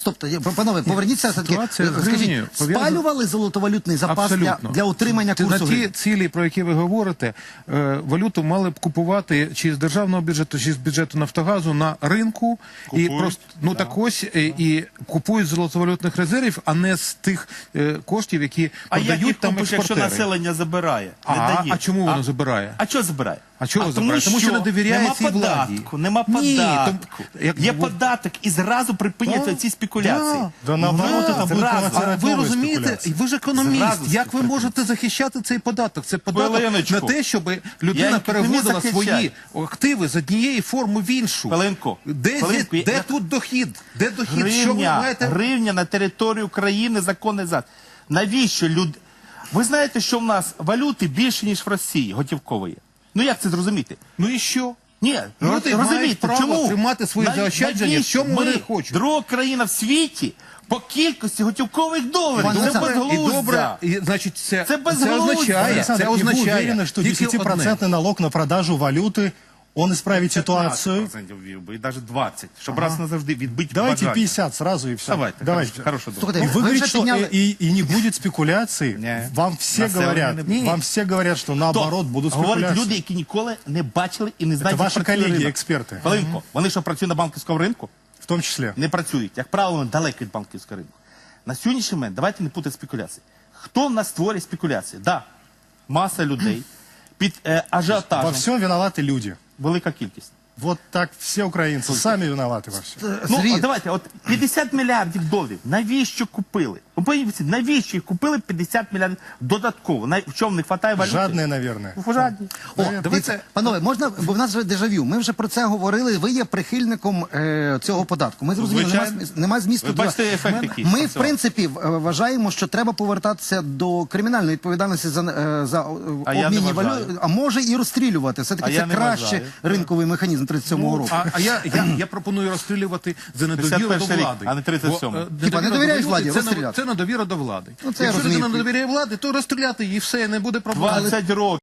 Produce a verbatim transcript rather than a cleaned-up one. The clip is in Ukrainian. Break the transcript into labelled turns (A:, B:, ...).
A: Стоп, панове, поверніться все-таки.
B: Ситуація з
A: Скажіть,
B: гривнею пов'язана-
A: спалювали золотовалютний запас для,
B: Абсолютно.
A: для утримання
B: Ті-
A: курсу
B: На ті
A: гривні?
B: цілі, про які ви говорите, е, валюту мали б купувати чи з державного бюджету, чи з бюджету Нафтогазу на ринку. І просто, ну так ось, е, і купують з золотовалютних резервів, а не з тих е, коштів, які
C: А як
B: продають
C: їх
B: там
C: купиш, якщо
B: експортери.
C: населення забирає? Не
B: А,
C: дає.
B: а чому воно забирає?
C: А чого забирає?
B: А чого
C: тому
B: забирає? Тому що не довіряє
C: нема
B: цій владі.
C: податку, нема
B: Ні,
C: податку.
B: то- як-
C: Є податок і зразу припиняться
B: Да,
C: ці спекуляції.
B: да.
D: Да наоборот,
C: Да,
D: это будет
C: зразу.
D: провоцировать
B: А ви
D: новые
B: розумієте,
D: спекуляции.
B: ви ж економіст,
C: Зразу
B: як ви можете захищати цей податок? Це податок
C: Хвилиночку.
B: на те, щоб
C: Я
B: людина
C: не
B: переводила
C: захищаю.
B: свої активи з однієї форми в іншу.
C: Хвилинку.
B: Де,
C: Хвилинку.
B: де,
C: Я-
B: тут дохід? Де дохід? Що ви
C: Гривня,
B: маєте?
C: гривня на території України законний зад. Навіщо люд... Ви знаєте, що в нас валюти більше, ніж в Росії, готівкової? Ну як це зрозуміти?
B: Ну і що?
C: Ні,
B: Люди
C: ну,
B: мають
C: розумієте,
B: право
C: чому?
B: тримати свої
C: Нав-
B: заощадження,
C: навіщо
B: в чому
C: ми
B: вони хочуть.
C: друга країна в світі по кількості готівкових доларів.
A: Пане
C: Це
A: Олександре,
B: І
C: безглуздя.
B: добре, і, значить, це,
C: Це безглуздя.
B: означає,
D: Александр,
B: це
D: и вы
B: означає
D: уверены, что
B: тільки одне.
D: десятипроцентный налог на продажу валюты, он исправит ситуацию?
C: п'ятнадцять відсотків ввів би, і навіть двадцять, щоб раз назавжди відбити
D: Давайте
C: бажання.
D: пятьдесят сразу и все.
C: Давайте,
D: Давайте.
C: хорошо, добре.
A: Слухайте,
D: И
A: ви
D: вы говорите,
A: вже
D: что
A: підняли...
D: и, и- и не будет спекуляций.
C: Не.
D: Вам все
C: Население
D: говорят,
C: не-
D: вам все говорят, что наоборот будут
C: Говорять
D: спекуляции.
C: люди, які ніколи не бачили і не знають,
D: Це
C: як
D: ваші
C: працює
D: колеги,
C: ринок.
D: експерти.
C: Хвилинку. Вони що, працюють на банківському ринку?
D: В том числе.
C: Не працюють. Як правило, вони далеко від банківського ринку. На сьогоднішній момент давайте не путати спекуляції. Хто в нас створює спекуляції? Да, маса людей під е,
D: Во
C: ажіотажем.
D: всем виноваты люди.
C: Велика кількість.
D: Вот так все украинцы сами виноваты во всем.
C: Ну,
A: Сергій,
C: от давайте, от п'ятдесят мільярдів доларів, навіщо купили? Ви подивіться, навіщо їх купили п'ятдесят мільярдів додатково? На, в чому не вистачає валюти?
D: Жадные, наверное.
C: Ну, жадні.
A: О, дивіться, панове, можна, бо в нас вже дежавю. Ми вже про це говорили. Ви є прихильником е, цього податку. Ми зрозуміли, нема,
C: Звичайно.
A: зміс- нема змісту.
C: Ви
A: до-
C: бачите ефект
A: Ми-
C: який
A: Ми,
C: з
A: в
C: цього?
A: принципі, в- е, вважаємо, що треба повертатися до кримінальної відповідальності за, е, за е,
C: А я не
A: обмінні
C: вважаю.
A: валют, а може і розстрілювати.
C: А
A: Все-таки
C: я
A: це
C: не
A: краще
C: вважаю.
A: ринковий механізм тридцять сьомого року.
B: А, а я, я, я пропоную розстрілювати за недовіру до
C: п'ятдесят перший рік,
B: влади.
C: а не тридцять сьомий.
B: Бо, е,
A: Хіба не
B: недовіра
A: довіряєш
B: до
A: владі?
B: Це, не-
A: Розстріляти.
B: це недовіра до влади.
A: Ну, це я
B: Якщо людина
A: розумію.
B: не довіряє влади, то розстріляти її все, не буде проблем.
C: двадцять років.